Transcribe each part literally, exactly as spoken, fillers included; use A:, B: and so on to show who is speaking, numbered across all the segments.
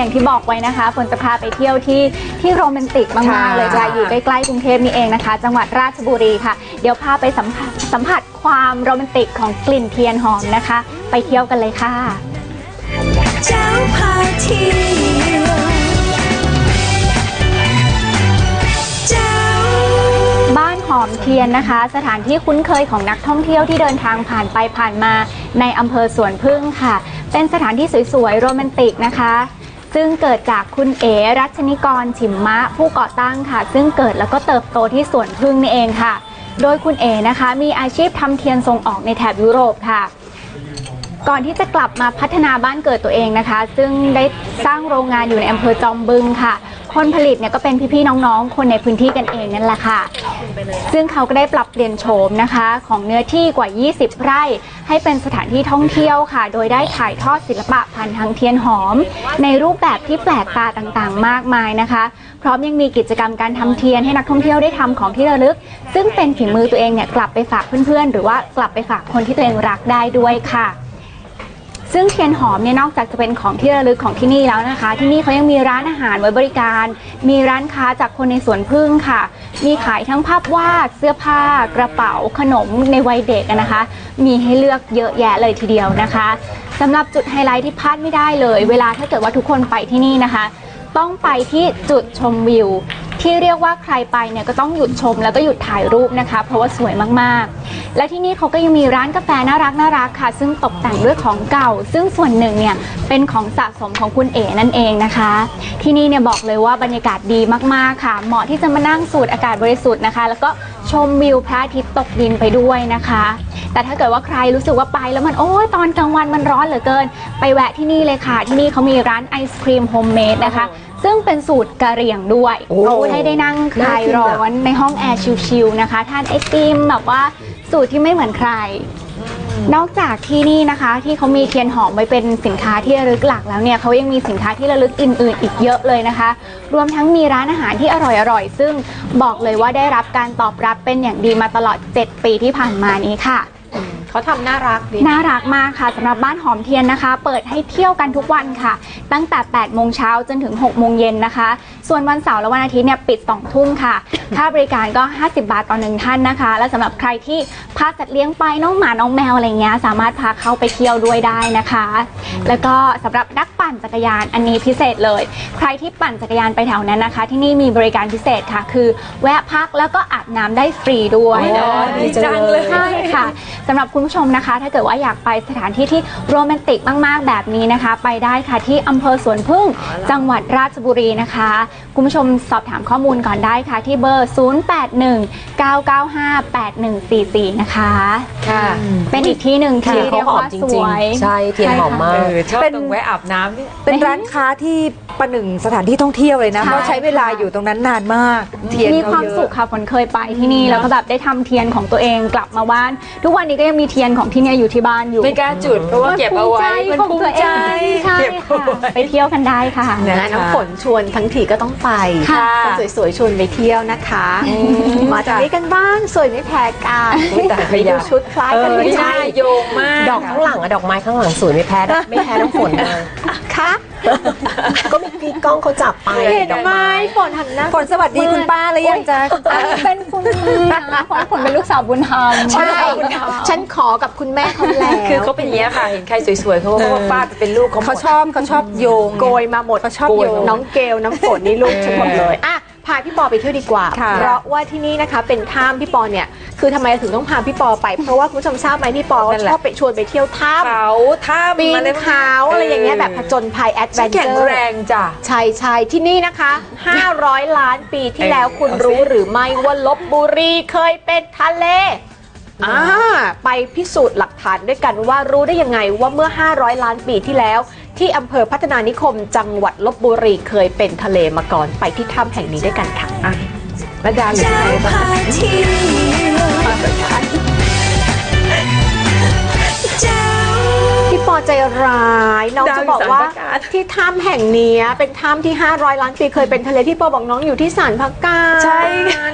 A: อย่างที่บอกไว้นะคะฝนจะพาไปเที่ยวที่ที่โรแมนติกมากๆเลยค่ะอยู่ใกล้ๆกรุงเทพนี่เองนะคะจังหวัดราชบุรีค่ะเดี๋ยวพาไปสัมผัสสัมผัสความโรแมนติกของกลิ่นเทียนหอมนะคะไปเที่ยวกันเลยค่ะเจ้าพาเที่ยวบ้านหอมเทียนนะคะสถานที่คุ้นเคยของนักท่องเที่ยวที่เดินทางผ่านไปผ่านมาในอำเภอสวนพึ่งค่ะเป็นสถานที่สวยๆโรแมนติกนะคะซึ่งเกิดจากคุณเอ๋รัชนิกรฉิมมะผู้ก่อตั้งค่ะซึ่งเกิดแล้วก็เติบโตที่สวนพึ่งนี่เองค่ะโดยคุณเอ๋นะคะมีอาชีพทำเทียนส่งออกในแถบยุโรปค่ะก่อนที่จะกลับมาพัฒนาบ้านเกิดตัวเองนะคะซึ่งได้สร้างโรงงานอยู่ในอำเภอจอมบึงค่ะคนผลิตเนี่ยก็เป็นพี่ๆน้องๆคนในพื้นที่กันเองนั่นแหละค่ะซึ่งเขาก็ได้ปรับเปลี่ยนโฉมนะคะของเนื้อที่กว่ายี่สิบไร่ให้เป็นสถานที่ท่องเที่ยวค่ะโดยได้ถ่ายทอดศิลปะผ่านทางเทียนหอมในรูปแบบที่แปลกตาต่างๆมากมายนะคะพร้อมยังมีกิจกรรมการทำเทียนให้นักท่องเที่ยวได้ทำของที่ระลึกซึ่งเป็นฝีมือตัวเองเนี่ยกลับไปฝากเพื่อนๆหรือว่ากลับไปฝากคนที่ตัวเองรักได้ด้วยค่ะซึ่งเทียนหอมเนี่ยนอกจากจะเป็นของที่ระลึกของที่นี่แล้วนะคะที่นี่เขายังมีร้านอาหารไว้บริการมีร้านค้าจากคนในสวนพึ่งค่ะมีขายทั้งภาพวาดเสื้อผ้ากระเป๋าขนมในวัยเด็กนะคะมีให้เลือกเยอะแยะเลยทีเดียวนะคะสำหรับจุดไฮไลท์ที่พลาดไม่ได้เลยเวลาถ้าเกิดว่าทุกคนไปที่นี่นะคะต้องไปที่จุดชมวิวที่เรียกว่าใครไปเนี่ยก็ต้องหยุดชมแล้วก็หยุดถ่ายรูปนะคะเพราะว่าสวยมากๆและที่นี่เขาก็ยังมีร้านกาแฟน่ารักน่ารักค่ะซึ่งตกแต่งด้วยของเก่าซึ่งส่วนหนึ่งเนี่ยเป็นของสะสมของคุณเอ๋นั่นเองนะคะที่นี่เนี่ยบอกเลยว่าบรรยากาศดีมากๆค่ะเหมาะที่จะมานั่งสูดอากาศบริสุทธิ์นะคะแล้วก็ชมวิวพระอาทิตย์ตกดินไปด้วยนะคะแต่ถ้าเกิดว่าใครรู้สึกว่าไปแล้วมันโอ้ยตอนกลางวันมันร้อนเหลือเกินไปแวะที่นี่เลยค่ะที่นี่เขามีร้านไอศครีมโฮมเมดนะคะซึ่งเป็นสูตรกะเหรี่ยงด้วยให้ได้นั่งคลายร้อนในห้องแอร์ชิลๆนะคะทานไอติมแบบว่าสูตรที่ไม่เหมือนใครนอกจากที่นี่นะคะที่เขามีเทียนหอมไว้เป็นสินค้าที่ระลึกหลักแล้วเนี่ยเขายังมีสินค้าที่ระลึกอื่นๆอีกเยอะเลยนะคะรวมทั้งมีร้านอาหารที่อร่อยๆซึ่งบอกเลยว่าได้รับการตอบรับเป็นอย่างดีมาตลอดเจ็ดปีที่ผ่านมานี้ค่ะ
B: เขาทำน่ารักดี
A: น่ารักมากค่ะสำหรับบ้านหอมเทียนนะคะเปิดให้เที่ยวกันทุกวันค่ะตั้งแต่แปดโมงเช้าจนถึงหกโมงเย็นนะคะส่วนวันเสาร์และวันอาทิตย์เนี่ยปิดสองทุ่มค่ะค่าบริการก็ห้าสิบบาทต่อหนึ่งท่านนะคะและสำหรับใครที่พาสัตว์เลี้ยงไปน้องหมาน้องแมวอะไรเงี้ยสามารถพาเข้าไปเที่ยวด้วยได้นะคะแล้วก็สำหรับนักปั่นจักรยานอันนี้พิเศษเลยใครที่ปั่นจักรยานไปแถวนั้นนะคะที่นี่มีบริการพิเศษค่ะคือแวะพักแล้วก็อาบน้ำได้ฟรีด้วย
B: ดีจังเลย
A: ใช่ค่ะสำหรับคุณผู้ชมนะคะถ้าเกิดว่าอยากไปสถานที่ที่โรแมนติกมากๆแบบนี้นะคะไปได้ค่ะที่อำเภอสวนพึ่งจังหวัดราชบุรีนะคะคุณผู้ชมสอบถามข้อมูลก่อนได้ค่ะที่เบอร์ศูนย์ แปด หนึ่ง เก้า เก้า ห้า แปด หนึ่ง สี่ สี่นะคะค่ะเป็นอีกที่หนึ่งที่เรียกว่าสวย
C: ใช่เทียนหอมมาก
B: ชอบตรงแวะอาบน้ำนี่
D: เป็นร้านค้าที่ประหนึ่งสถานที่ท่องเที่ยวเลยนะเพราะใช้เวลาอยู่ตรงนั้นนานมาก
A: เทียนมีความสุขค่ะฝนเคยไปที่นี่แล้วก็แบบได้ทำเทียนของตัวเองกลับมาบ้านทุกวันนี้ก็ยังมีเทียนของที่นี่อยู่ที่บ้านอยู่
B: ไม่กล้าจุดเพราะว่าเก็บเอาไว้
A: มันภูมิใจเก็บไปเที่ยวกันได้ค่ะ
E: น้ำฝนชวนทั้งทีก็ต้องไปคนสวยๆชวนไปเที่ยวนะคะมาจากนี้กันบ้างสวยไม่แพ้กันไปดูชุดคล้ายกันไม่
B: ใช่โยงมาก
C: ดอกข้างหลังอะดอกไม้ข้างหลังสวยไม่แพ้ไม่แพ้น้ำฝนเลย
E: ค่ะ
C: ก็มีพี่ก้องเขาจับไป
E: เห็นไหมฝนหันหน้า
D: ฝนสวัสดีคุณป้าแล้วยังจะ
A: เป็นคุณฝนเป็นลูกสาวบุญธรรม
E: ใช่ฉันขอกับคุณแม่เขาแล้ว
B: คือเขาเป็นอย่างนี้ค่ะเห็นใครสวยๆเขาว่าป้าเป็นลูกเขา
D: เขาชอบเขาชอบโยง
E: โกยมาหมด
D: เขาชอบโยง
E: น้องเกลน้ำฝนนี่ลูกฉันหมดเลยอ่ะพาพี่ปอไปเที่ยวดีกว่าเพราะว่าที่นี่นะคะเป็นถ้ำพี่ปอเนี่ยคือทำไมถึงต้องพาพี่ปอไปเพราะว่าคุณผู้ชมทราบไหมพี่ปอชอบไปชวนไปเที่ยวถ้ำ
B: เขาถ้ำ
E: ปีนเขาอะไรอย่างเงี้ยแบบผจญภัยแอดเวนเจอร์
B: แข็งแรงจ้ะ
E: ใช่ใช่ที่นี่นะคะห้าร้อยล้านปีที่แล้วคุณรู้หรือไม่ว่าลพบุรีเคยเป็นทะเลอ่าไปพิสูจน์หลักฐานด้วยกันว่ารู้ได้ยังไงว่าเมื่อห้าร้อยล้านปีที่แล้วที่อำเภอพัฒนานิคมจังหวัดลพบุรีเคยเป็นทะเลมาก่อนไปที่ถ้ำแห่งนี้ด้วยกันค่ะ
B: ระดาอยู่ไหนบ้าง
E: พี่ปอใจร้ายน้องจะบอกว่าที่ถ้ำแห่งนี้เป็นถ้ำที่ห้าร้อยล้านปีเคยเป็นทะเลพี่ปอบอกน้องอยู่ที่ศาลพักการ
B: ใช่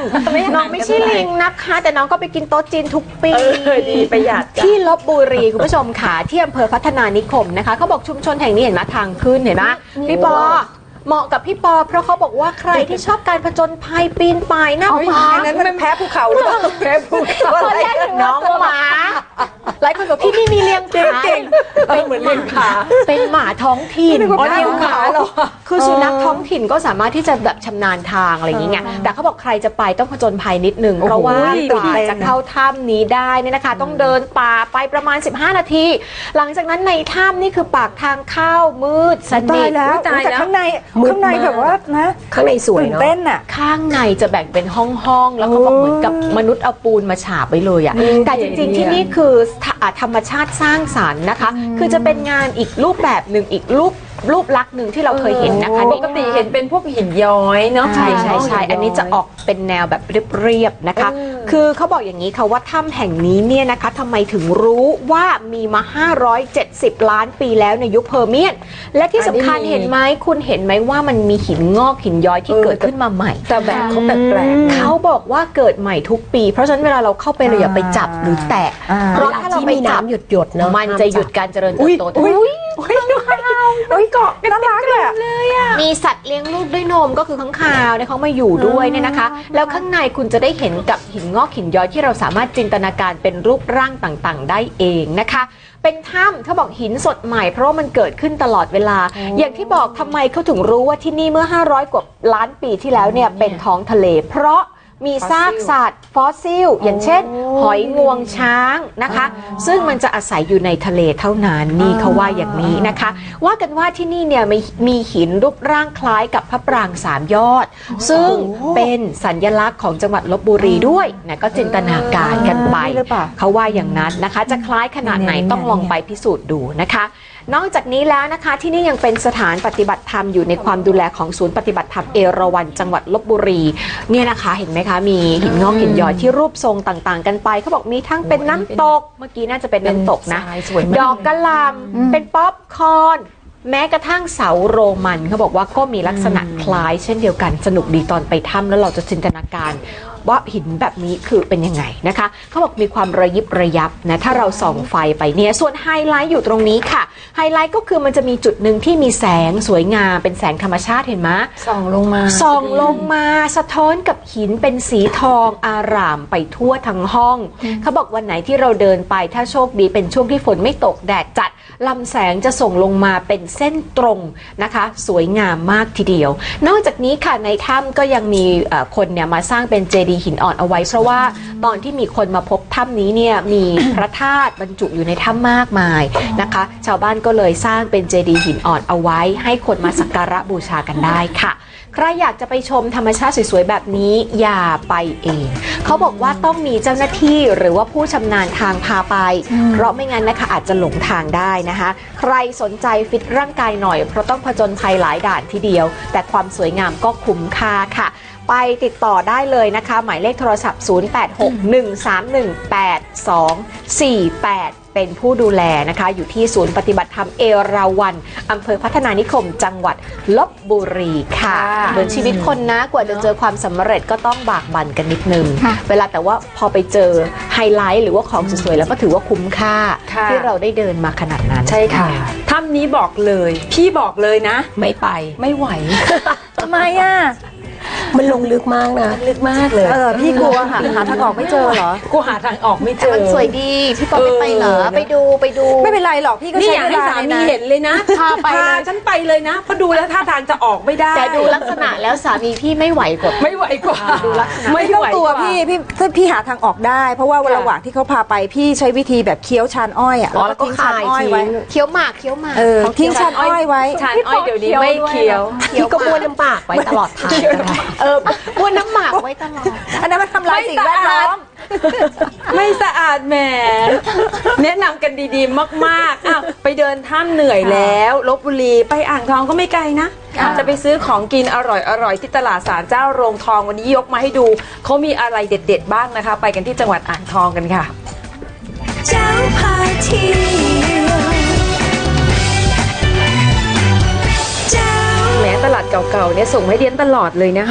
E: น้องไม่ใช่ลิงนะคะ แต่น้องก็ไปกินโต๊ะจีนทุกปี
B: เออดีประหยัดจ้ะ
E: ที่ลบบุรีคุณผู้ชมค่ะที่อำเภอพัฒนานิคมนะคะเขาบอกชุมชนแห่งนี้เห็นไหมทางขึ้นเห็นไหมพี่ปอเหมาะกับพี่ปอเพราะเขาบอกว่าใครที่ชอบการผจญภัยปีนป่ายหน้าผา
D: อันนั้นมันแพ้ภูเขาหรือเปล่าแพ้ภูเขาอะไร
E: น้องหมาหลายคนบอกพี่นี่มีเลี้ยงผา
D: เก่ง
E: เป็นเหมือนเลี้ยงผาเป็นหมาท้องถิ่น
D: อ๋อเลี้ยงผาเหรอ
E: คือสุนัขท้องถิ่นก็สามารถที่จะแบบชำนาญทางอะไรอย่างเงี้ยแต่เขาบอกใครจะไปต้องผจญภัยนิดนึงเพราะว่ากว่าจะเข้าถ้ำนี้ได้เนี่ยนะคะ ต้องเดินป่าไปประมาณสิบห้านาที หลังจากนั้นในถ้ำนี่คือปากทางเข้ามืดสนิ
D: ตาย
E: ท
D: แล้ว
B: ตายแล้ว
D: แต่ข้างในข้างในแบบว่านะ
C: ข้างในสวย
D: ตื่น
C: เนาะ
D: เต้นอ่ะ
E: ข้างในจะแบ่งเป็นห้องๆ แล้วก็บอกเหมือนกับมนุษย์เอาปูนมาฉาบไว้เลยอะแต่จริงๆ ที่นี่คือธรรมชาติสร้างสรรค์นะคะ คือจะเป็นงานอีกรูปแบบหนึ่งอีกรูปรูปลักษณ์หนึ่งที่เราเคยเห็นนะคะ
B: ปกติเห็นเป็นพวกหินย้อยเนาะ
E: ใช่ใช่ใช่อันนี้จะออกเป็นแนวแบบเรียบๆนะคะ คือเขาบอกอย่างนี้ค่ะว่าถ้ำแห่งนี้เนี่ยนะคะทำไมถึงรู้ว่ามีมาห้าร้อยเจ็ดสิบล้านปีแล้วในยุคเพอร์เมียน และที่สำคัญเห็นไหมคุณเห็นไหมว่ามันมีหินงอกหินย้อยที่เกิดขึ้นมาใหม่
B: แต่แบบเขาแปลกๆ
E: เขาบอกว่าเกิดใหม่ทุกปี เพราะฉะนั้นเวลาเราเข้าไปเราอย่าไปจับหรือแตะ
D: อ่า
E: เพราะถ้าเรา
C: ที่
E: ไป
C: มี
E: จับ
C: น้ำหยดหยดๆเนาะ
E: มันจะหยุดการเจริญเติบโต
D: อุ้ยอุ้ยอุ้ยเกาะน่ารักเลยอะ
E: มีสัตว์เลี้ยงลูกด้วยนมก็คือข้างคาวเนี่ยเขามาอยู่ด้วยเนี่ยนะคะ แล้วข้างในคุณจะได้เห็นกับหินงอกหินย้อยที่เราสามารถจินตนาการเป็นรูปร่างต่างๆ ได้เองนะคะ เป็นถ้ำเขาบอกหินสดใหม่เพราะว่ามันเกิดขึ้นตลอดเวลา อย่างที่บอกทำไมเขาถึงรู้ว่าที่นี่เมื่อห้าร้อยกว่าล้านปีที่แล้วเนี่ยเป็นท้องทะเล เพราะมีซากสัตว์ฟอสซิลอย่างเช่น หอยงวงช้างนะคะ ซึ่งมันจะอาศัยอยู่ในทะเลเท่านั้นนี่เขาว่าอย่างนี้นะคะ ว่ากันว่าที่นี่เนี่ยมีมีหินรูปร่างคล้ายกับพระปรางสามยอด ซึ่งเป็นสัญลักษณ์ของจังหวัดลพบุรีด้วยนะก็จินตนาการกันไป
D: นี่หรือเปล่า
E: เขาว่าอย่างนั้นนะคะ จะคล้ายขนาดไหนต้องลองไปพิสูจน์ดูนะคะ นอกจากนี้แล้วนะคะที่นี่ยังเป็นสถานปฏิบัติธรรมอยู่ในความดูแลของศูนย์ปฏิบัติธรรมเอราวัณจังหวัดลพบุรีเนี่ยนะคะเห็นไหมคะมีหินงอกหินย้อยที่รูปทรงต่างๆ กันไปเขาบอกมีทั้งเป็นน้ำตกเมื่อกี้น่าจะเป็นน้ำตกนะ
B: ทรายสวยมาก
E: ดอกกระหลำเป็นป๊อปคอร์นแม้กระทั่งเสาโรมันเขาบอกว่าก็มีลักษณะคล้ายเช่นเดียวกันสนุกดีตอนไปถ้ำแล้วเราจะจินตนาการว่าหินแบบนี้คือเป็นยังไงนะคะเขาบอกมีความระยิบระยับนะถ้าเราส่องไฟไปเนี่ยส่วนไฮไลท์อยู่ตรงนี้ค่ะไฮไลท์ก็คือมันจะมีจุดหนึ่งที่มีแสงสวยงามเป็นแสงธรรมชาติเห็นไหม
B: ส่องลงมา
E: ส่องลงมาสะท้อนกับหินเป็นสีทองอารามไปทั่วทั้งห้อง เขาบอกวันไหนที่เราเดินไปถ้าโชคดีเป็นช่วงที่ฝนไม่ตกแดดจัดลำแสงจะส่งลงมาเป็นเส้นตรงนะคะสวยงามมากทีเดียวนอกจากนี้ค่ะในถ้ำก็ยังมีเอ่อคนเนี่ยมาสร้างเป็นเจดีย์หินอ่อนเอาไว้เพราะว่าตอนที่มีคนมาพบถ้ำนี้เนี่ยมี พระธาตุบรรจุอยู่ในถ้ำมากมายนะคะ ชาวบ้านก็เลยสร้างเป็นเจดีย์หินอ่อนเอาไว้ ให้คนมาสักการะบูชากันได้ค่ะ ใครอยากจะไปชมธรรมชาติสวยๆแบบนี้อย่าไปเองเขาบอกว่าต้องมีเจ้าหน้าที่หรือว่าผู้ชำนาญทางพาไป เพราะไม่งั้นนะคะอาจจะหลงทางได้นะคะ ใครสนใจฟิตร่างกายหน่อยเพราะต้องผจญภัยหลายด่านทีเดียว แต่ความสวยงามก็คุ้มค่าค่ะ ไปติดต่อได้เลยนะคะ หมายเลขโทรศัพท์ ศูนย์ แปด หก หนึ่ง สาม หนึ่ง แปด สอง สี่ แปด เป็นผู้ดูแลนะคะ อยู่ที่ศูนย์ปฏิบัติธรรมเอราวัณอำเภอพัฒนานิคมจังหวัดลพบุรีค่ะเหมือนชีวิตคนนะกว่าจะเจอความสำเร็จก็ต้องบากบั่นกันนิดนึง
A: ค่ะ
E: เวลาแต่ว่าพอไปเจอไฮไลท์หรือว่าของสวยๆแล้วก็ถือว่าคุ้มค่า
B: ค่ะ
E: ที่เราได้เดินมาขนาดนั้น
B: ใช่ค่ะถ้ำนี้บอกเลย พี่บอกเลยนะ
C: ไม่ไป
B: ไม่ไหว
D: ทำไมอ่ะ
C: มันลงลึกมากนะ
B: ลึกมากเลย
D: เออพี่กลัวหาหาทางออกไม่เจอเหรอ
B: กูหาทางออกไม่เจอ
E: มันสวยดีพี่ปอไม่ไปเหรอ
B: เออ
E: ไปดูไปดู
D: ไม่เป็นไรหรอกพี่ก็
B: นี่
D: ใช้
B: อยาก
D: เว
B: ให้
D: ลา
B: สา
D: ใน
B: มี
D: นั้น
B: เห็นเลยนะ
E: พาไปเลย
B: ฉันไปเลยนะเพราะดูแล้วท่าทางจะออกไม่ได้
E: แต่ดูลักษณะแล้วสามีพี่ไม่ไหวกว่า
B: ไม่ไหวกว่า
E: ดูลักษณะ
D: ไม่ต้องกลัวพี่พี่ถ้าพี่หาทางออกได้ เพราะว่าระหว่างที่เขาพาไปพี่ใช้วิธีแบบเคี้ยวชานอ้อยอ่ะ
E: อ๋อ
D: แล้วก็ทิ้งชานอ้อยไว้
E: เคี้ยวหมากเคี้ยวหมาก
D: เออทิ้งชานอ้อยไว้
B: ชานอ้อยเดี๋ยวนี้ไม่เคี้ยว
C: พี่ก็บ้วนน้ำปากไว้ตลอดทางก็ได้
E: เออบ้วนน้ำหมากไว้ตลอด
D: อันนั้นมันทำลายสิ่งแวดล้อม
B: ไม่สะอาดแหม แนะนำกันดีๆมากๆอ้าวไปเดินถ้ำเหนื่อยแล้วลพบุรีไปอ่างทองก็ไม่ไกลนะ จะไปซื้อของกินอร่อยๆที่ตลาดศาลเจ้าโรงทองวันนี้ยกมาให้ดูเขามีอะไรเด็ดๆบ้างนะคะ ไปกันที่จังหวัดอ่างทองกันค่ะ
F: เจ้าพาเที่ยวเจ้า
B: แม้ตลาดเก่าๆเนี่ยส่งให้เดียนตลอดเลยนะคะ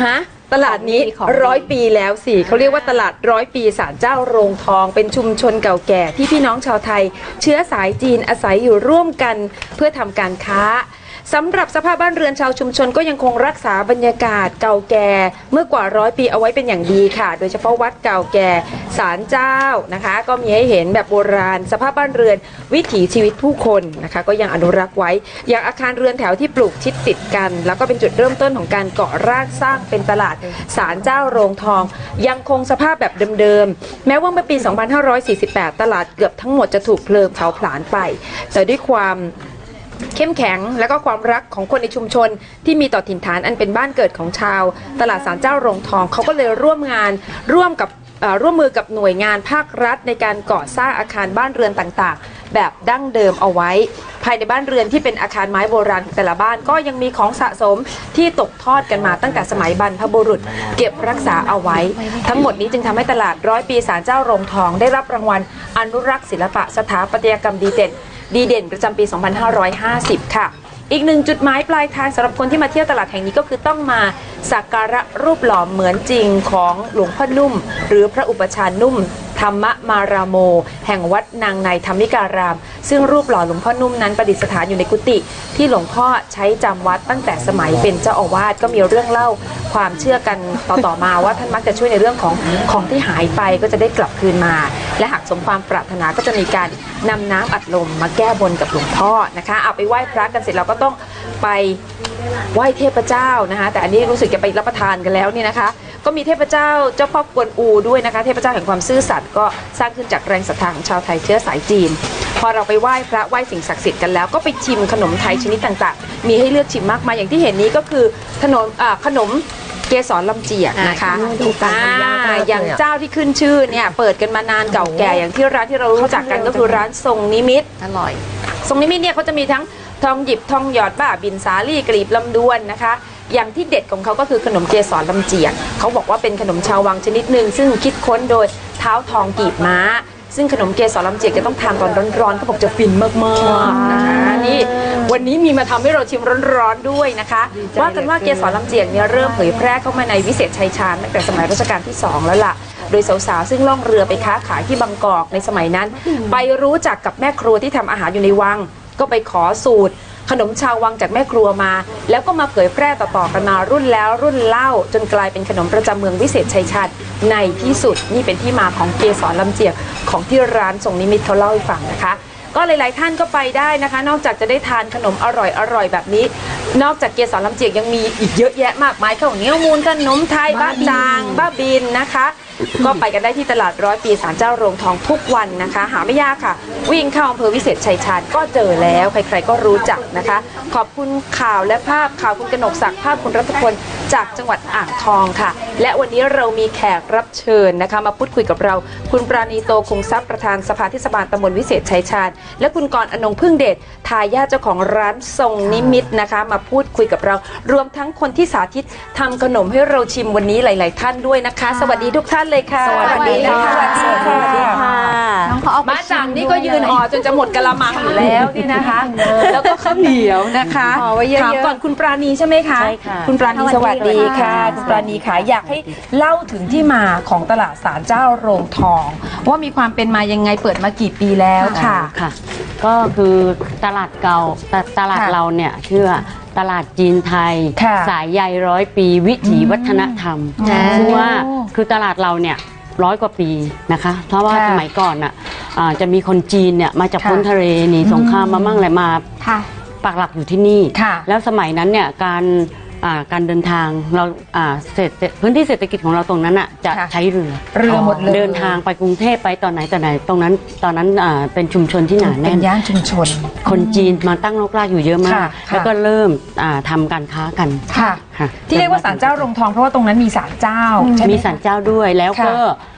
B: ตลาดนี้
E: ของ
B: ร้อยปีแล้วสิเขาเรียกว่าตลาดร้อยปีศาลเจ้าโรงทอง เป็นชุมชนเก่าแก่ที่พี่น้องชาวไทย เชื้อสายจีนอาศัยอยู่ร่วมกันเพื่อทำการค้าสำหรับสภาพบ้านเรือนชาวชุมชนก็ยังคงรักษาบรรยากาศเก่าแก่เมื่อกว่าร้อยปีเอาไว้เป็นอย่างดีค่ะ โดยเฉพาะวัดเก่าแก่ศาลเจ้านะคะก็มีให้เห็นแบบโบราณ สภาพบ้านเรือนวิถีชีวิตผู้คนนะคะก็ยังอนุรักษ์ไว้อย่างอาคารเรือนแถวที่ปลูกชิดติดกัน แล้วก็เป็นจุดเริ่มต้นของการก่อร่างสร้างเป็นตลาดศาลเจ้าโรงทอง ยังคงสภาพแบบเดิมๆแม้ว่าเมื่อปี สองพันห้าร้อยสี่สิบแปด ตลาดเกือบทั้งหมดจะถูกเพลิงเผาผลาญไปแต่ด้วยความเข้มแข็งและก็ความรักของคนในชุมชนที่มีต่อถิ่นฐานอันเป็นบ้านเกิดของชาวตลาดศาลเจ้าโรงทองเขาก็เลยร่วมงานร่วมกับเอ่อร่วมมือกับหน่วยงานภาครัฐในการก่อสร้างอาคารบ้านเรือนต่างๆแบบดั้งเดิมเอาไว้ภายในบ้านเรือนที่เป็นอาคารไม้โบราณของแต่ละบ้านก็ยังมีของสะสมที่ตกทอดกันมาตั้งแต่สมัยบรรพบุรุษเก็บรักษาเอาไว้ทั้งหมดนี้จึงทำให้ตลาดร้อยปีศาลเจ้าโรงทองได้รับรางวัลอนุรักษ์ศิลปะสถาปัตยกรรมดีเด่นดีเด่นประจำปี สองพันห้าร้อยห้าสิบ ค่ะ อีกหนึ่งจุดหมายปลายทางสำหรับคนที่มาเที่ยวตลาดแห่งนี้ก็คือต้องมาสักการะรูปหล่อเหมือนจริงของหลวงพ่อนุ่มหรือพระอุปชานุ่มธรรมมารามโมแห่งวัดนางในธรรมิการามซึ่งรูปหล่อหลวงพ่อนุ่มนั้นประดิษฐานอยู่ในกุฏิที่หลวงพ่อใช้จำวัดตั้งแต่สมัยเป็นเจ้าอาวาสก็มีเรื่องเล่าความเชื่อกันต่อๆมาว่าท่านมักจะช่วยในเรื่องของของที่หายไปก็จะได้กลับคืนมาและหากสมความปรารถนาก็จะมีการนำน้ำอัดลมมาแก้บนกับหลวงพ่อนะคะเอาไปไหว้พระกันเสร็จเราก็ต้องไปไหว้เทพเจ้านะคะแต่อันนี้รู้สึกจะไปรับประทานกันแล้วนี่นะคะก็มีเทพเจ้าเจ้าพ่อกวนอูด้วยนะคะเทพเจ้าแห่งความซื่อสัตย์ก็สร้างขึ้นจากแรงศรัทธาของชาวไทยเชื้อสายจีนพอเราไปไหว้พระไหว้สิ่งศักดิ์สิทธิ์กันแล้วก็ไปชิมขนมไทยชนิดต่างๆมีให้เลือกชิมมากมายอย่างที่เห็นนี้ก็คือขนมอ่าขนมเกสรลำเจียกนะคะอย่างเจ้าที่ขึ้นชื่อเนี่ยเปิดกันมานานเก่าแก่อย่างที่ร้านที่เรารู้จักกันก็คือร้านทรงนิมิตอร่อยทรงนิมิตเนี่ยเขาจะมีทั้งทองหยิบทองหยอดบ้าบินสาลี่กลีบลำดวนนะคะอย่างที่เด็ดของเขาก็คือขนมเกสรลำเจียกเขาบอกว่าเป็นขนมชาววังชนิดหนึ่งซึ่งคิดค้นโดยเท้าทองกีบม้าซึ่งขนมเกสรลำเจียกจะต้องทานตอนร้อนๆเขาบอกจะฟินมากๆนะคะนี่วันนี้มีมาทำให้เราชิมร้อนๆด้วยนะคะว่ากันว่าเกสรลำเจียกเนี่ยเริ่มเผยแพร่เข้ามาในวิเศษชัยชาญตั้งแต่สมัยรัชกาลที่สองแล้วล่ะโดยสาวๆซึ่งล่องเรือไปค้าขายที่บางกอกในสมัยนั้นไปรู้จักกับแม่ครัวที่ทำอาหารอยู่ในวังก็ไปขอสูตรขนมชาววังจากแม่ครัวมาแล้วก็มาเผยแพร่ต่อๆกันมารุ่นแล้วรุ่นเล่าจนกลายเป็นขนมประจำเมืองวิเศษชัยชาญในที่สุดนี่เป็นที่มาของเกสรลำเจียกของที่ร้านทรงนิมิตเขาเล่าให้ฟังนะคะก็หลายๆท่านก็ไปได้นะคะนอกจากจะได้ทานขนมอร่อยๆแบบนี้นอกจากเกสรลำเจียกยังมีอีกเยอะแยะมากมายข้าวเหนียวมูนขนมไทยบ้าจางบ้าบินนะคะก็ไปกันได้ที่ตลาดร้อยปีศาลเจ้าโรงทองทุกวันนะคะหาไม่ยากค่ะวิ่งเข้าอำเภอวิเศษชัยชาญก็เจอแล้วใครๆก็รู้จักนะคะขอบคุณข่าวและภาพข่าวคุณกนกศักดิ์ภาพคุณรัตพลจากจังหวัดอ่างทองค่ะและวันนี้เรามีแขกรับเชิญนะคะมาพูดคุยกับเราคุณปราณีโตคงทรัพย์ประธานสภาเทศบาลตำบลวิเศษชัยชาญและคุณกรณ์อนงพึ่งเดชทายาทเจ้าของร้านทรงนิมิตนะคะมาพูดคุยกับเรารวมทั้งคนที่สาธิตทำขนมให้เราชิมวันนี้หลายๆท่านด้วยนะคะสวัสดีทุกท่านเลยค่ะ
A: สวัสดีค่ะ
B: สวัสดีค่ะ
A: น้องเขาเอาไป
B: มาจังนี่ก็ยืนห่อจนจะหมดกะละมังอยู่แล้วนี่นะคะ แล้วก็ข้าวเหนียวนะคะ
D: ห่อไว้เยอะๆ
B: ถามก่อนคุณปราณีใช่ไหมคะ
C: ใช่ค่ะ
B: คุณปราณีสวัสดีค่ะคุณปราณีค่ะอยากให้เล่าถึงที่มาของตลาดศาลเจ้าโรงทอง ว่ามีความเป็นมายังไงเปิดมากี่ปีแล้วค่ะ
G: ค่ะก็คือตลาดเก่าตตลาด
B: ค่ะ
G: เราเนี่ยชื่อว่าตลาดจีนไทย
B: ค่ะ
G: สายใยร้อยปีวิถีวัฒนธรรม
B: อืม
G: ซึ่งว่าคือตลาดเราเนี่ยร้อยกว่าปีนะคะเพราะว่า
B: ค่ะ
G: สมัยก่อนอ่ะอ่าจะมีคนจีนเนี่ยมาจาก
B: ค่ะ
G: พ้นทะเลหนีสงครามมามั่งอะไรมา
A: ค่ะ
G: ปักหลักอยู่ที่นี่
B: ค่ะ
G: แล้วสมัยนั้นเนี่ยการอ่าการเดินทางเราอ่าเศรษฐพื้นที่เศรษฐกิจของเราตรงนั้นอ่ะจะ
B: ค่ะ
G: ใช้เรือ
B: เรือหมดเลย
G: เดินทางไปกรุงเทพไปตอนไหนตอนไหนตรงนั้นตอนนั้นอ่าเป็นชุมชนที่หนา
B: เป็
G: แน่
B: น
G: น
B: ย่านชุมชน
G: คนจีนมาตั้งรกรากอยู่เยอะมาก
B: ค่ะค่ะ
G: แล้วก็เริ่มอ่าทำการค้ากัน
B: ค่ะ
G: ค่ะ
B: ที่เรียกว่าศาลเจ้าโรงทองเพราะว่าตรงนั้นมีศาลเจ้าใช่ไหม
G: มีศาลเจ้าด้วยแล้วก็
B: ค่ะ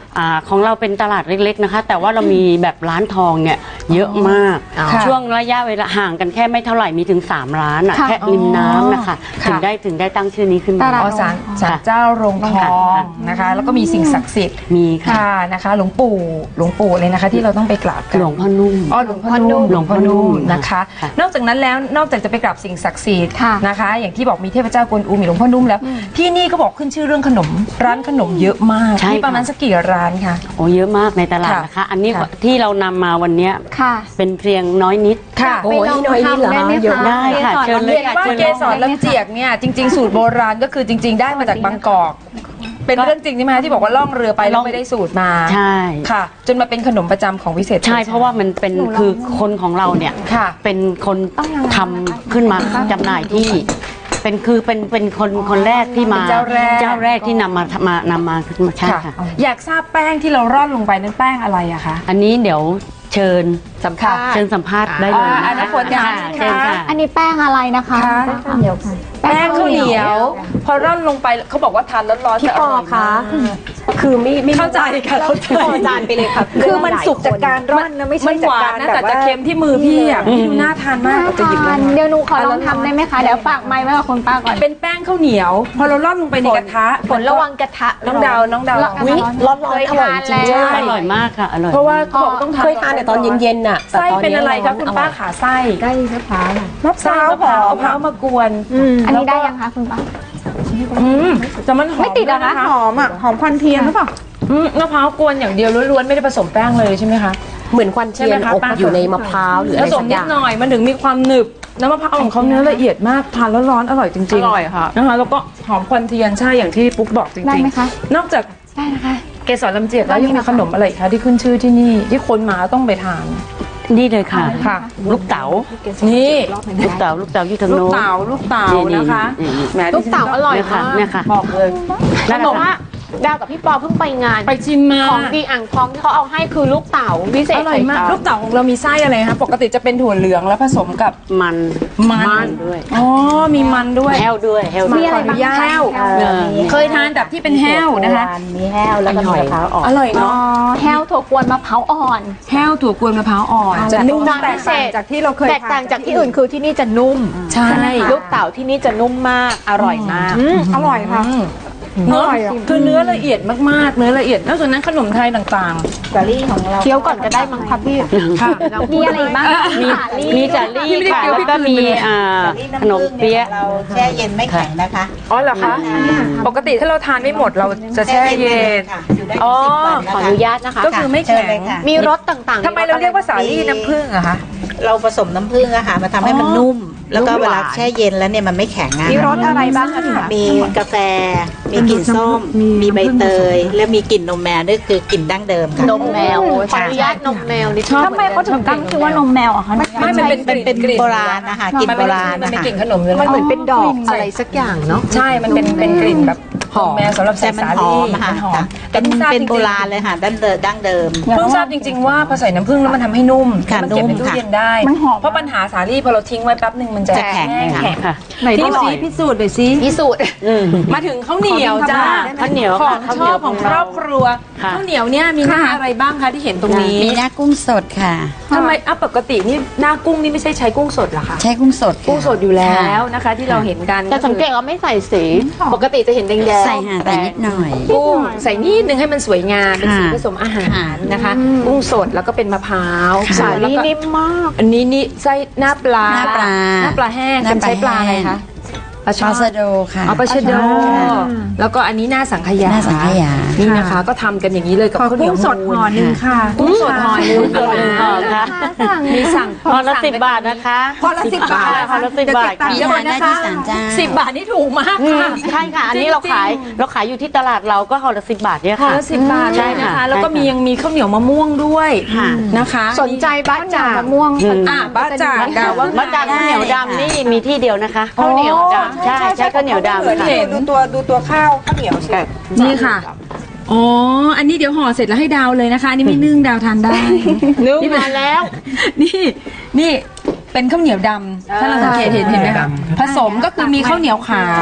G: อ่าของเราเป็นตลาดเล็กๆนะคะ แต่ว่าเรามีแบบร้านทองเนี่ยเยอะมาก
D: ค่ะ
G: ช่วงระยะเวลาห่างกันแค่ไม่เท่าไหร่มีถึงสามร้านอะ
A: ค่ะ
G: แค่ริมน้ำนะคะ
B: ค่ะ
G: ถึงได้ถึงได้ตั้งชื่อนี้ขึ้นมา
A: ตลาด
B: อ๋อศาลศาลเจ้าโรงทองนะคะ แล้วก็มีสิ่งศักดิ์สิทธิ์
G: มีค่ะ
B: ค่ะนะคะ หลวงปู่หลวงปู่เลยนะคะ ที่เราต้องไปกราบกัน
G: หลวงพ่อนุ่ม
B: อ๋อหลวงพ่อนุ่ม
G: หลวงพ่อนุ่ม
B: นะคะ
G: ค่ะ
B: นอกจากนั้นแล้วนอกจากจะไปกราบสิ่งศักดิ์สิทธิ์
A: ค่ะ
B: นะคะ อย่างที่บอกมีเทพเจ้ากวนอูมีหลวงพ่อนุ่มแล้ว ที่นี่ก็บอกขึ้นชื่อเรื่องขนมร้านขนมเยอะมาก
G: ใช่
B: มีประมาณ
G: ค่ะ
B: สักกี่ร้านคะ
G: โอ้เยอะมากในตลาด
B: ค่ะ
G: นะคะ อันนี้
B: ค่ะ
G: ที่เรานำมาวันเนี้ย
A: ค่ะ
G: เป็นเพียงน้อยนิด
B: ค่ะ
A: ไปลองทำได้ไหม
G: เยอะ
A: คะ
G: ได้ค่ะเชิญเลย
B: เห็นว่าเกสรลำเจียกเนี่ยจริง ๆ สูตรโบราณก็คือจริง ๆ ได้มาจากบางกอก เป็นเรื่องจริงใช่ไหมคะที่บอกว่าล่องเรือไปแล้วไม่ได้สูตรมา
G: ใช่
B: ค่ะ จนมาเป็นขนมประจำของวิเศษ
G: ใช่เพราะว่ามันเป็นคือคนของเราเนี่ย
B: ค่ะ
G: เป็นคน
A: ต้องยังไง
G: ทำขึ้นมาจำหน่ายที่ เป็นคือเป็นเป็นคนคนแรกที่มา
B: เป็นเจ้าแรก
G: เจ้าแรกที่นำมามานำมาขึ้นมาใช่
B: ค่ะ
G: ค่ะ
B: อยากทราบแป้งที่เราร่อนลงไปนั้นแป้งอะไรอะคะ
G: อันนี้เดี๋ยวเชิญ
E: สัมภาษณ์
G: เชิญสัมภาษณ์ได้เลย
B: อ่าอั
G: นะ
B: นนั้น
G: คะ
B: ฝนถาม
G: ค่ะ
B: ค่ะ
G: เชิญค่ะ
A: อันนี้แป้งอะไรนะคะ
B: ค่ะ แป้งข้าวเหนียว พอร่อนลงไปเขาบอกว่าทานร้อนๆ
E: พี่
B: จะ
E: ป
B: อ
E: อ
B: ร่อย
E: คะ
B: มาก
E: คือไม่ไม่
B: เข้าใจค่ะเข้าใจ
E: พอจานไปเลยค่ะ
D: คือมันสุกจากการร่อนนะไม่ใช่
B: มัน
D: จา
B: ห
D: ก
B: วา
D: การ
B: นนะ
D: แบ
B: แต่
D: บว่า
B: จะเค็มที่มือพี่อ่ะพี่ดูน่าทานมากเราจะหยิบเลย
A: เดี๋ยวหนูขอลองทำได้ไหมคะ เดี๋ยวฝากไมค์ไว้กับคุณป้าก่อน
B: เป็นแป้งข้าวเหนียว พอเราร่อนลงไปในกระทะ
E: ฝนระวังกระทะ
B: น้องดาวน้องดาว
A: แล้ว
E: อุ๊ยร้อนๆอร่อยจริง
B: ใช่
G: อร่อยมากค่ะอร่อย
B: เพราะว่าเขาบอกต้องทาน
C: เคยทานแต่ตอนเย็นๆน่ะแต่
B: ไส้
C: ตอน
B: เป็น
C: นี้
B: อะไรคะ
C: ร้น
B: คุณ
C: ร่ย
B: ป้าขาไส้
D: ได้มะพร้าว
B: มะพร้าวมะพร้าวมะพร้าวมากวน
A: อันนี้ได้ยังคะคุณป้า
B: อืมแต่มันหอม
A: ไม่ติดเหรอคะ
B: วย
D: หอมอ่ะหอมควันเทียนหรือเปล่า
B: อืมมะพร้าวกวนอย่างเดียวล้วนๆไม่ได้ผสมแป้งเลยใช่ไหมคะ
C: เหมือนควันเทียน
B: ใช่ไหมคะ
C: อบ
B: ป้า
C: อยู่ในมะพร้าวหรือ
B: ผ
C: อะไร
B: ส
C: สั
B: ม
C: กอ
B: นิด
C: ย่าง
B: หน่อยมันถึงมีความหนึบน้ำมะพร้าวของเขาเนื้อละเอียดมากทานแล้วร้อนอร่อยจริงๆ
E: อร่อยค่ะ
B: นะคะแล้วก็หอมควันเทียนใช่อย่างที่ปุ๊กบอกจริงๆ
A: ได้ไหมคะ
B: นอกจาก
A: ได้นะคะ
B: เกสรลำเจียกแล้วยังมีขนมอะไรอีกคะที่ขึ้นชื่อที่นี่ที่คนมาต้องไปทาน
G: นี่เลยค่ะ
B: ค่ะ
G: ลูกเต๋า
B: นี่
G: ลูกเต๋าลูกเต๋าอยู่ทาง
B: ลูก
G: โน้น
B: เต๋าลูกเต๋านะคะ
G: นี่นี่
B: แหม
E: ลูกเต๋าอร่อย
G: เนี่ยค่ะ
E: มาก
G: เนี่ยค่ะ
B: บอกเลย
G: นั่นแห
E: บ
G: ละ
E: อกว่า
G: ค่ะ
E: ดาวกับพี่ปอเพิ่งไปงาน
B: ไปชิมมา
E: ของดีอ่างทองที่เขาเอาให้คือลูกเต๋าวิเศษ
B: อร่อยมาก
E: ไข่
B: ลูกเต๋าของเรามีไส้อะไรคะปกติจะเป็นถั่วเหลืองแล้วผสมกับ
G: มัน
B: มัน
G: ด้วย
B: อ๋อมีมันด้วย
G: แห้วด้วยแห้ว
A: มี
G: ด้วย
A: อะไรบ้างคะ
B: แห้ว
G: เออ
B: เคยทานแบบที่เป็นแห้วนะคะ
C: มีแห้วแล้วก็มีมะพร้าวอ่อน
B: อร่อย
A: อ๋อ
B: เนาะ
A: แห้วถั่วกวนมะพร้าวอ่อน
B: แห้วถั่วกวนมะพร้าวอ่อนจะนุ่ม
E: จานพิเศษ
D: จากที่เราเคย
E: แตกต่างจากที่อื่นคือที่นี่จะนุ่ม
B: ใช่
E: ลูกเต๋าที่นี่จะนุ่มมากอร่อยมาก
D: อร่อยค่ะ
B: เนื้อ
D: อร่อยอ่ะ
B: คือเนื้อละเอียดมากๆ เนื้อละเอียดนอกจากนั้นขนมไทยต่าง
D: สาลี่ของเรา
E: เคี้ยวก่อนก็ได้มั้งครับพี่
B: ๆ ค่ะ
A: มีอะไรอีกบ้าง
G: มีมีจารี่ค่ะแล้วก็มีอ่าขนมเปี๊ยะ
H: เราแช่เย็นไม่แข็งนะคะ
B: อ๋อเหรอคะ ปกติถ้าเราทานไม่หมดเราจะแช่เย็น
H: ค่ะอยู่ได้
B: อ๋อ
H: สิบวัน
E: ขอ
H: นะ
E: อ
H: คะ
E: นุญาตนะคะ
B: ก็คือไม่
H: เชิญ
B: แข็
H: เล
B: ง
H: ยค่ะ
E: มีรสต่างๆ
B: ทำไมเราเรียกว่าสาลี่น้ำผึ้งอะคะ
H: เราผสมน้ำผึ้งอะค่ะมาทำให้มันนุ่ม แล้วก็เวลาแช่เย็นแล้วเนี่ยมันไม่แข็งอะ
E: มีรสอะไรบ้างคะ
H: มีกาแฟ มีกลิ่นส้ม มีใบเตย และมีกลิ่นนมแมวนี่คือกลิ่นดั้งเดิมค่ะ
E: นมแมวขออนุญาตนมแมวนิดนึง
A: ทำไมเขาถึงตั้งชื่อว่านมแมวอะคะ
B: ไม่มันเป็น
H: มันเป็น
B: กลิ่น
H: โบราณนะคะกลิ่นโบราณ
B: มัน
H: นะ
B: เป็น
H: คะ
B: กลิ่นขนมเลย
E: มันเหมือนเป็นดอกอะไรสักอย่างเนาะ
B: ใช่ มันเป็นเป็นกลิ่นแบบหอมแมวสำหรับใส่
H: แต่มัน
B: สา
H: หอ
B: ลี่
H: มอะค่ะ
B: มันหอม
H: เป็น
B: พิ่งทราบ
H: เป็น
B: จงๆ
H: โบราณเลยค่ะดั้งเดิมดั้งเดิม
B: เพิ่งทราบจริง ๆ ว่าพอใส่น้ำผึ้งแล้วมันทำให้นุ่ม
H: ค่ะ
B: มันเก็บใน
H: นุ่ม
B: ตู้
H: ค่ะ
B: เย็นได้
A: มันหอม
B: เพราะปัญหาสาลี่พอเราทิ้งไว้แป๊บหนึ่งมันจะ
H: จะแข็ง
B: แข็ง
G: ค่ะ
D: ไหนดูซิพิสูจน์หน่อยซิ
E: พิสูจน์
B: มาถึงข้าวเหนียวจ้า
G: ข้าวเหนียว
B: ขอ
G: ค่ะ
B: ง
G: ข้าว
B: ช
G: เหนี
B: อย บ
G: ว
B: ของ
G: ข
B: ค
G: อง
B: ร
G: เรา
B: อบครัว
G: ค่ะ
B: ข้าวเหนียวเนี่ยมีหน้าอะไรบ้างคะที่เห็นตรงนี้
I: มีหน้ากุ้งสดค่ะ
B: ทำไมอ่ะปกตินี่หน้ากุ้งนี่ไม่ใช่ใช้กุ้งสดเหรอคะ
I: ใช้กุ้งสดค่ะ
B: กุ้งสดอยู่แล้วนะคะ ที่เราเห็นกัน
E: แต่สังเกตว่าไม่ใส่สี ปกติจะเห็นแดงๆ
I: ใส่ห่างแต่นิดหน่อย
B: กุ้งใส่นิดนึงให้มันสวยงามเป็นสี
I: ค่ะ
B: ผสมอาหาร
I: ค่ะ
B: นะคะ กุ้งสดแล้วก็เป็นมะพร้าว
E: สา
B: แล้ว
E: ลี่
B: ก็
E: นิ่มมาก
B: อันนี้นี่ไส้หน้าปลา
I: หน้าปลา
B: หน้าปลาแห้ง
I: หน้า
B: เป็นใช้ปลาอะไร
I: แห้ง
B: คะ
I: ปลาสะโดค่ะ
B: เอาปลาชะโด
I: ค่ะ
B: แล้วก็อันนี้หน้าสังขยา
I: หน้าสังขยา
B: นี่นะคะ ก็ทำกันอย่างนี้เลยกับ
D: ขอ
B: ข้าวเหนี
D: กุ้
B: ยว
D: งสดห่อหนึ่งค่ะ
B: กุ้งสดห่อหนึ่ง
G: อร่อยมากค่ะ
B: มีสั่ง
G: พอละสิบบาทนะคะ
D: พอละสิบบาท
G: พอละสิบบาท
I: มี
G: ค่ะ
I: ทานได้ที่ศาลเจ้า
B: สิบบาทนี่ถูกมากค่ะ
G: ใช่ค่ะ อันนี้เราขายเราขายอยู่ที่ตลาดเราก็ห่อละสิบบาทเนี่ย
B: ห่อ
G: ค่ะ
B: ละสิบบาท
G: ใช่
B: เลยนะคะ
G: ค่ะ
B: แล้วก็
G: ใช่ค่ะ
B: มียังมีข้าวเหนียวมะม่วงด้วยนะคะ
E: สนใจบ้านจ่าม
A: ะม่วง
B: อ่ะบ้าจ่างดาวว่า
G: มะจางข้าวเหนียวดำนี่มีที่เดียวนะคะ
B: ข้าวเหนียวดำ
G: ใช่ใช่ข้าวเหนียวดำค่ะ
D: ดูตัวดูตัวข้าวข้าวเหนียวสิ
B: นี่ค่ะ อ๋อ อันนี้เดี๋ยวห่อเสร็จแล้วให้ดาวเลยนะคะ อันนี้ไม่นึ่งดาวทานได้
E: นึ่ง
B: นี่เป็น
E: มาแล้ว
B: นี่ นี่เป็นข้าวเหนียวดำถ้าเราสังเกตเห็นเห็นไหมคะผสมก็คือมีข้าวเหนียวขาว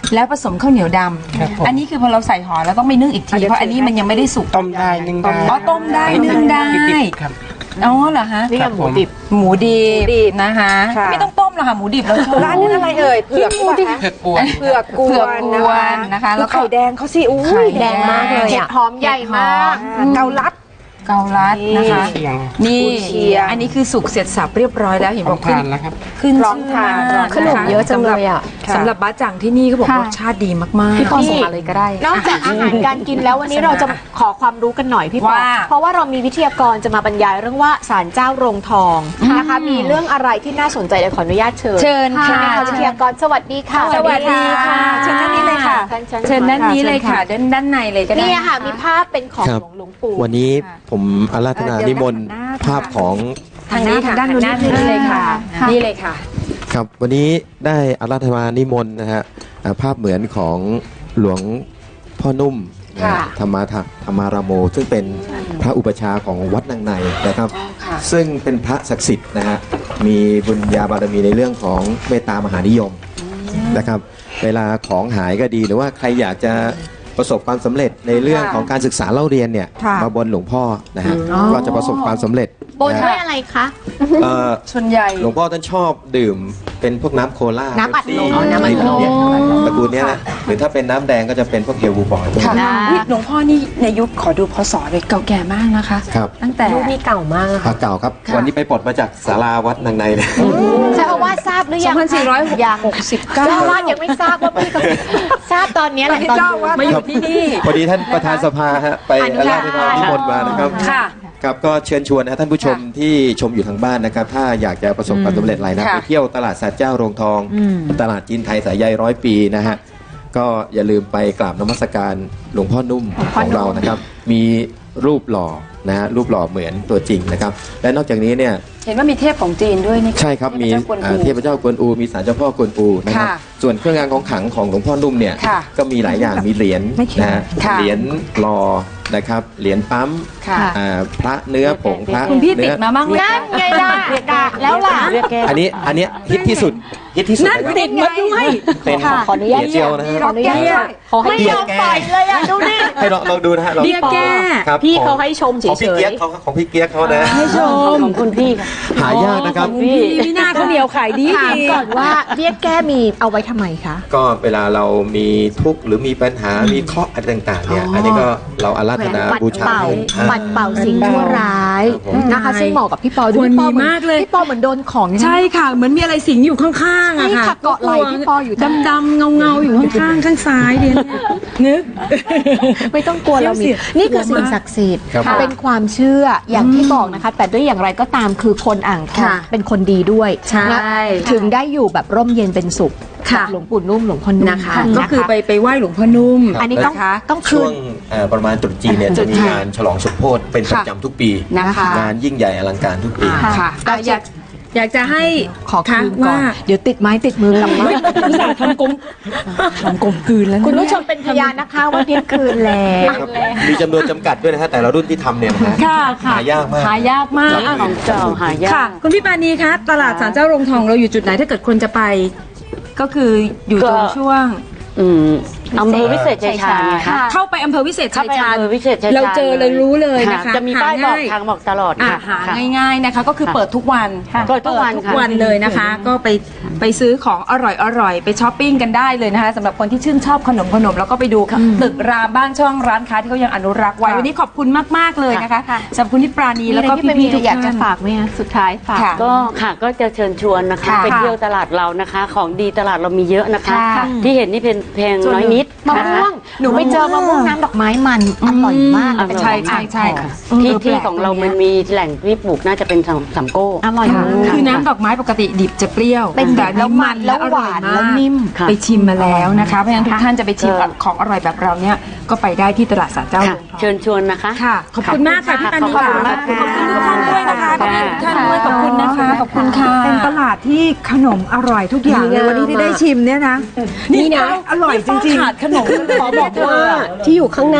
B: แล้วผสมข้าวเหนียวดำอันนี้คือพอเราใส่ห่อแล้วต้องไปนึ่งอีกทีเพราะอันนี้มันยังไม่ได้สุก
J: ต้มได้นึ่งได้
B: อ๋อต้มได้นึ่งได้
J: ครับ
B: อ๋อเหรอฮะ
E: นี่หมูดิบ
B: หมูดิบนะคะ
D: ค่ะ
B: ไม่ต้องต้มหรอกค่ะหมูดิบเราชอบ
D: ร้านนี้อะไรเอ่ยเผือกหรือเปล่าคะ
J: เผือกกวน
D: เผือกก
B: เผื
D: ว
B: อก
D: น
B: กวนนะคะแล้วก็
D: ไข่แดงเขาสิอุ้
B: ไข่
D: ย
B: แดงมากเลย
E: เห็ด
B: อะ
E: หอมใหญ่มาก
D: อ่าเกาลัด
B: เกาลัดนะคะ
J: เชียง
B: นี่
D: กุนเชียง
B: อันนี้คือสุกเสร็จสับเรียบร้อยแล้วเห็น
J: ข
B: บ
J: อ
B: อง กขึ้น
J: ทานแล้วครับ
B: ขึ้น
D: พร้อมทาน
B: ชื่ะคะ
E: ขนมเยอะจังเลยอะ
B: สำหรับสำหรับบ้าจังที่นี่เขาบอก
A: ค่ะ
B: รสชาติดีมากๆ
A: พี่ปอส่งมาเลยก็ได้
E: นอกจากอาหารการกินแล้ววันนี้เราจะขอความรู้กันหน่อยพี่ปอ
B: ว่า
E: เพราะว่าเรามีวิทยากรจะมาบรรยายเรื่องว่าศาลเจ้าโรงทองนะคะ มีเรื่องอะไรที่น่าสนใจเดี๋ยวขออนุญาตเชิญ
B: เชิญค่ะ
E: ใช่ไหมคะวิทยากรสวัสดีค่ะ
B: สวัสดีค่ะเชิญด้านนี้เลยค่ะ
E: ท่าน
B: เชิญด้านนี้เลยค่ะด้านด้านในเลยก็ได้
E: นี่ค่ะมีภาพเป็นของ
K: ครับ
E: หลวงหลวงปู่
K: วันนี้ผมอาราธนานิมนต์ภาพของ
B: ทางนี้ค่ะด้านนู้นนี่เลยค่ะนี่เลยค่ะ
K: ครับวันนี้ได้อาราธนานิมนต์นะฮะอ่าภาพเหมือนของหลวงพ่อนุ่มนะฮะ
B: ค่ะ
K: ธรรมาทธรรมารามโม ซึ่งเป็นพระอุปชฌาย์ของวัดนางในนะครับ
B: ค่ะ
K: ซึ่งเป็นพระศักดิ์สิทธิ์นะฮะมีบุญญาบารมีในเรื่องของเมตตามหานิยมนะครับ เวลาของหายก็ดีหรือว่าใครอยากจะประสบความสำเร็จในเรื่องของการศึกษาเล่าเรียนเนี่ย
D: ค่ะ
K: มาบนหลวงพ่อนะฮะก็จะประสบความสำเร็จ
E: บน
K: นะ
E: ด้วย
K: ฮะ
E: อะไรคะ
K: เอ่อ
B: ส่วนใหญ่
K: หลวงพ่อท่านชอบดื่มเป็นพวกน้ำโคลา
E: น้ำอัดลม
K: เป๊ปซี่
E: อ๋อน้ำอัดลม
K: อะไรพวกเนี้ยตระกูลเนี้ยนะหรือถ้าเป็นน้ำแดงก็จะเป็นพวกเฮลบูบอยพวก
B: ค่ะ
K: นี้
B: อุ๊ยหลวงพ่อนี่ในยุคขอดูพศเลยเก่าแก่มากนะคะ
K: ครับ
B: ตั้งแต่
C: รูปนี้เก่ามาก
K: พระเก่าครับ วันนี้ไปปลดมาจากศาลาวัดนางในเลย
E: เจ้าอาวาสทราบหรือยังคะ
B: สองพันสี่ร้อยหกสิบเก้า
E: เจ้าอาวาสยังไม่ทราบว่าพี่เขาทราบตอนนี้แหละตอน
B: มาอยู่ที่นี่
K: พอดีท่านประธานสภาฮะไป
E: อนุ
K: อา
E: ญา
K: รา
E: ต
K: ธนานิมนต์มานะครับ
B: ค่ะ
K: ครับก็เชิญชวนนะฮะท่านผู้ชมที่ชมอยู่ทางบ้านนะครับ ถ้าอยากจะประสบความสำเร็จอะไรนะ
B: ค่ะ
K: ไปเที่ยวตลาดสัตว์เจ้าโรงทอง ตลาดจีนไทยสายใยร้อยปีนะฮะก็อย่าลืมไปกราบนมัสการหลวงพ่อนุ่มของเรานะครับ มีรูปหล่อนะฮะรูปหล่อเหมือนตัวจริงนะครับ และนอกจากนี้เนี่ย
B: เห็นว่ามีเทพของจีนด้วยนี่
K: ใช่ครับมีอ่าเทพเจ้ากวนอูมีศาลเจ้าพ่อกวนอูนะครับ
B: ค่ะ
K: ส่วนเครื่องรางของขลังของหลวงพ่อนุ่มเนี่ย
B: ค่ะ
K: ก็มีหลายอย่างมีเหรียญนะฮะ
B: ค่ะ
K: เหรียญหล่อนะครับเหรียญปั๊ม
B: ค่ะ
K: อ่าพระเนื้อผงพระ
B: คุณพี่ติ
K: เนื้
B: ด
K: อ
B: มาบ้างไหม
E: นั่นไงล่ะด่าแล้วล่ะ
K: อันนี้อันเนี้ยฮิตที่สุดฮิตที่สุด
B: นั่น
K: นะครับ
B: ติดมาด้วย
K: เป็น
E: ขออนุญาต
K: เหรียญเจียวนะฮะ
E: ขออนุญาตไม่ยอมปล่อยเลยอ่ะดูนี่
K: ให้ลองลองดูนะฮะลอง
B: เบี้ยแก้
K: ครับ
E: พี่เขาให้ชมเฉ
K: ของพี่
E: ย
K: เกียกเขาของพี่เกียกเขานะ
B: ให้ชม
G: ของคุณพี่ค่ะ
K: หายากนะครับ
B: พี่พี่หน้าเขาวเหนียวขายดี
E: ๆถาม
B: ดี
E: ก่อนว่าเบี้ยแก้มีเอาไว้ทำไมคะ
K: ก็เวลาเรามีทุกข์หรือมีปัญหา มีเคราะห์อะไรต่างๆเนี่ย
E: อ๋ออั
K: อันนี้ก็เราอาราธนา
E: ปัด
K: บูชา
E: เป่า
K: ให้
E: ปัดเป่าสิ่งชั่วร้าย
K: ครับผม
E: นะคะ ซึ่งเหมาะกับพี่ปอดู
B: ควร
E: พี่ปอ
B: มี
E: เหอน
B: มากเลย
E: พี่ปอเหมือนโดนของ
B: ใช่ค่ะ เหมือนมีอะไรสิงอยู่ข้างๆอะ
E: นี่
B: ค่ะ
E: ค่ะเกาะไหล่พี่ปออยู่
B: ดำดำเงาเงาๆอยู่ข้างๆข้างซ้ายเดียวนึก
E: ไม่ต้องกลัวเรามี
B: เสีย
E: นี่คือสิ่งศักดิ์สิทธิ์
K: ครับผม
E: เป็นความเชื่ออย่างที่บอกนะคะ แต่ด้วยอย่างไรก็ตามคือคนอ่างทอง
B: ค่ะ
E: เป็นคนดีด้วย
B: ใช่
E: นะถึงได้อยู่แบบร่มเย็นเป็นสุข
B: ค่ะ
E: กับหลวงปู่นุ่มหลวงพ่อนุ่ม
B: นะคะ ก็คือไปไปไหว้หลวงพ่อนุ่ม
K: ครับ
E: อันนี้ต้อง
B: นะคะ
E: ต้องคื
K: ช่วน งเอ่อประมาณตรุษจีนเนี่ยจะมีงานฉลองสมโภชเป็นประจำทุกปี
B: นะคะ
K: งานยิ่งใหญ่อลังการทุกปี
B: ค่ะอ่ะอยากอยากจะให้
E: ขอคืนก่อ
B: ว่า
E: นเดี๋ยวติดไม้ติดมือกลับมา
B: อุตส่าห์ทำกลมทำกลมกลืนแล้วนะ
E: คุณผู้ชมเป็นพยานนะคะว่าเที่ยงคืนแล้ว
K: ครับมีจำนวนจำกัดด้วยนะฮะแต่ละรุ่นที่ทำเนี่ยนะฮะ
B: ค่ะค่ะ
K: หายากมาก
B: หายากมาก
K: ครับ
G: ของเก่าหายาก
B: ค่ะ คุณพี่ปานีคะตลาดศาลเจ้าโรงทองเราอยู่จุดไหนถ้าเกิดคนจะไป ก็คืออยู่ตรง
G: ก็
B: ช่วง
G: อืมอำเภอวิเศษชัยชาญไงคะ
B: เข้าไปอำเภอวิเศษ
G: เข้า
B: ชัย
G: ไป
B: ชาญ
G: อำเภอวิเศษชัยชาญ
B: เราเจอเลยรู้เลยนะคะ
G: จะมีป้ายบอก
B: หง่
G: ทางบอกตลอด
B: อ่ะ
G: ค่ะ
B: หา
G: ค่ะ
B: ง่ายๆนะคะ ก็คือ
G: ค่ะ
B: เปิดทุกวัน
G: เปิดทุกวัน
B: ทุก
G: ค่ะ
B: วันเลยนะคะ ก็ไปไปซื้อของอร่อยๆไปช้อปปิ้งกันได้เลยนะคะสำหรับคนที่ชื่นชอบขนมขนมแล้วก็ไปดูตึกรามบ้านช่องร้านค้าที่เขายังอนุรักษ์ไว้วันนี้ขอบคุณมากๆเลยนะคะสำหรับคุณที่ปราณี
E: มี
B: แล้ว
E: อะไร
B: ก็
E: ที่เป็น
B: พี่ๆทุก
E: อยากจะ
B: ท่าน
E: ฝากไหมคะสุดท้ายฝาก
B: ค่ะ
G: ก็ค่ะก็จะเชิญชวนนะคะ
B: ค่ะ
G: ไปเที่ยวตลาดเรานะคะ ของดีตลาดเรามีเยอะนะคะ
B: ค่ะ
G: ที่เห็นนี่เป็นเพลงน้อยนิด
E: มะม่วงหนูไปเจอมะม่วงน้ำดอกไม้มันอร่อยมาก
G: อืม
E: เป็น
B: ใช่
E: ของ
B: ใช่
E: อ่าง
B: ใช่
E: ทอง
B: ค่ะ
G: ที่
B: เออ
G: ที่
B: แปลก
G: ของเรา
B: ตรงเนี้
G: มั
B: ย
G: นมีแหล่งที่ปลูกน่าจะเป็นสามสามโก้
E: อร่อย
B: ค่ะ
E: มาก
B: คือน้ำดอกไม้ปกติดิบจะเปรี้ยว
E: เป็น
B: แต่
E: แล้ว
B: นี่
E: มันแล้วหวาน
B: อร่อยมก
E: แล้วนิ่ม
G: ค่ะ
B: ไปชิมมาแล้วนะคะเพราะฉะนั้นทุกท่านจะไปชิม
G: ค่ะ
B: ของอร่อยแบบเราเนี่ยก็ไปได้ที่ตลาดศาลเจ้า
G: ค่ะ
B: โรงทอง
G: เชิญชวนนะคะ
B: ค่ะ ขอบคุณมากค่ะพี่ปานี
G: ขอบ
B: ค่ะ
G: คุณมาก
B: ขอบคุณทุกท่านด้วยนะคะขอบคุณทุกท่านด้วยขอบคุณนะคะ ขอบคุณค่ะ
D: เป็นตลาดที่ขนมอร่อยทุกอย่างเลยวันนี้ที่ได้ชิมเนี่ยนะ
B: นี่นะ
D: อร่อยจริง
B: ขาดขนมขอบอกว่า
C: ที่อยู่ข้างหน้า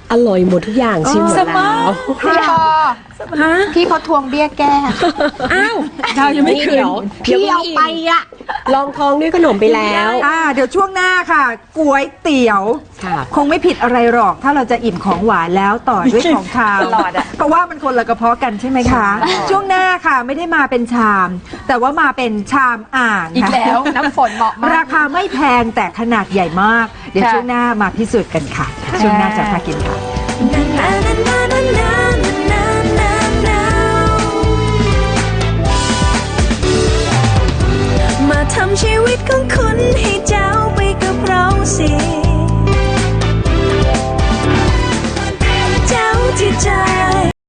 C: อร่อยหมดทุกอย่างชิมหมดแล้ว
A: พี่พอพี่เขาทวงเบี้ยแก้
C: อ้าวดาวยังไม่คืน
E: พี่เอาไปอะ
C: ลองท้องด้วยขนมไปแล้ว
D: อ่าเดี๋ยวช่วงหน้าค่ะก๋วยเตี๋ยว
C: ค่ะ
D: คงไม่ผิดอะไรหรอกถ้าเราจะอิ่มของหวานแล้วต่อด้วยของคาวเพราะว่ามันคนละกระเพาะกันใช่ไหมคะ ช่วงหน้าค่ะไม่ได้มาเป็นชาม แต่ว่ามาเป็นชามอ่าง
A: อีก
D: ค่ะ
A: แล้วน้ำฝนเหมาะมาก
D: ราคาไม่แพงแต่ขนาดใหญ่มาก เดี๋ยว
A: ค่ะ
D: ช่วงหน้ามาพิสูจน์กันค่ะ ช่วงหน้าจะพากินค่ะ